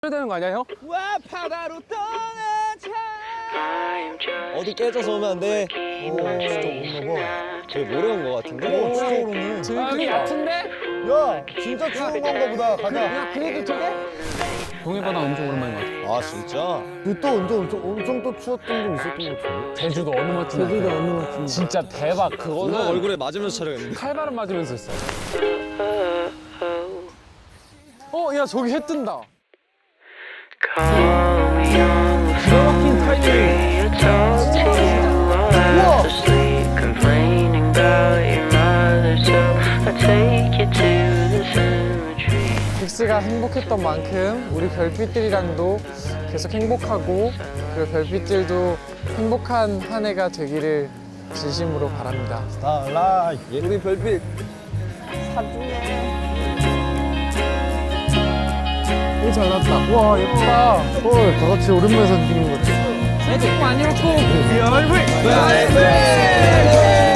해야 되는 거 아니야 형? 와 바다로 떠나자. 어디 깨져서 오면 안 돼. 오, 진짜 오나 봐. 저기 모래 온 거 같은데? 오, 진짜 오르네. 여기 같은데? 야, 진짜 추운 건가 보다. 가자. 야 그래도 저게? 동해바다 엄청 오랜만인 것 같아. 아 진짜? 또 엄청 또 추웠던 적 있었던 것 같은데. 제주도 어느 멋진 제주도 어느 멋진 진짜 대박. 누나 그거는 얼굴에 맞으면서 촬영했는데. 칼바람 맞으면서 했어. 야 저기 해 뜬다. 기가 막힌 타이밍. 빅스가 행복했던 만큼 우리 별빛들이랑도 계속 행복하고 그리고 별빛들도 행복한 한 해가 되기를 진심으로 바랍니다. 달라. 우리 별빛. 오 잘 났다. 와 예쁘다. 헐, 다 같이 오랜만에 사진 찍는 것 같아. 새해 복 많이 받고 별빛.